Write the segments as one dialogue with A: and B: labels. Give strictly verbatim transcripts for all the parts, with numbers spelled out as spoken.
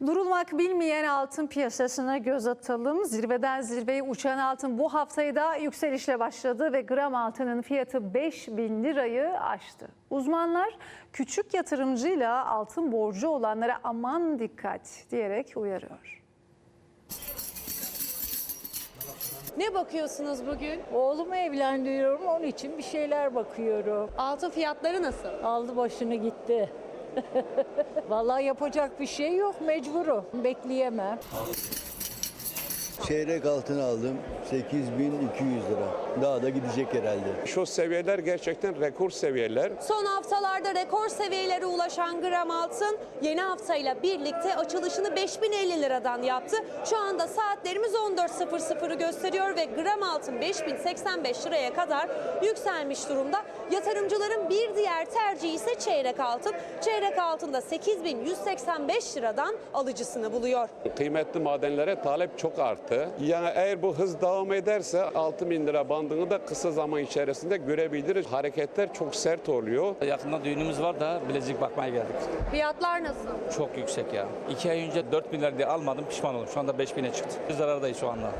A: Durulmak bilmeyen altın piyasasına göz atalım. Zirveden zirveye uçan altın bu haftayı da yükselişle başladı ve gram altının fiyatı beş bin lirayı aştı. Uzmanlar küçük yatırımcıyla altın borcu olanlara aman dikkat diyerek uyarıyor.
B: Ne bakıyorsunuz bugün?
C: Oğlumu evlendiriyorum, onun için bir şeyler bakıyorum.
B: Altın fiyatları nasıl?
C: Aldı başını gitti. Vallahi yapacak bir şey yok, mecburum. Bekleyemem.
D: Çeyrek altın aldım sekiz bin iki yüz lira. Daha da gidecek herhalde.
E: Şu seviyeler gerçekten rekor seviyeler.
B: Son haftalarda rekor seviyelere ulaşan gram altın yeni haftayla birlikte açılışını beş bin elli liradan yaptı. Şu anda saatlerimiz on dört sıfır sıfırı gösteriyor ve gram altın beş bin seksen beş liraya kadar yükselmiş durumda. Yatırımcıların bir diğer tercihi ise çeyrek altın. Çeyrek altında sekiz bin yüz seksen beş liradan alıcısını buluyor.
E: Kıymetli madenlere talep çok arttı. Yani eğer bu hız devam ederse altı bin lira bandını da kısa zaman içerisinde görebiliriz. Hareketler çok sert oluyor.
F: Yakında düğünümüz var da bilezik bakmaya geldik.
B: Fiyatlar nasıl?
F: Çok yüksek ya. iki ay önce dört bin lira diye almadım, pişman oldum. Şu anda beş bine çıktı. Biz zarardayız şu anda.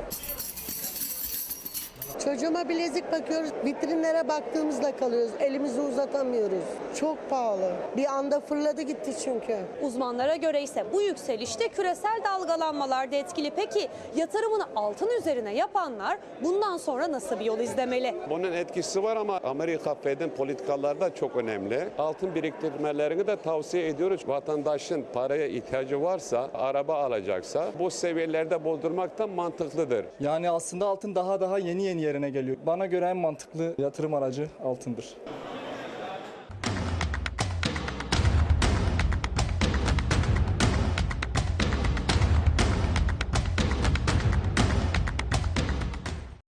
G: Çocuğuma bilezik bakıyoruz, vitrinlere baktığımızda kalıyoruz. Elimizi uzatamıyoruz. Çok pahalı. Bir anda fırladı gitti çünkü.
B: Uzmanlara göre ise bu yükselişte küresel dalgalanmalar da etkili. Peki yatırımını altın üzerine yapanlar bundan sonra nasıl bir yol izlemeli?
E: Bunun etkisi var ama Amerika Fed'in politikaları da çok önemli. Altın biriktirmelerini de tavsiye ediyoruz. Vatandaşın paraya ihtiyacı varsa, araba alacaksa bu seviyelerde bozdurmak da mantıklıdır.
H: Yani aslında altın daha daha yeni yeni yerine geliyor. Bana göre en mantıklı yatırım aracı altındır.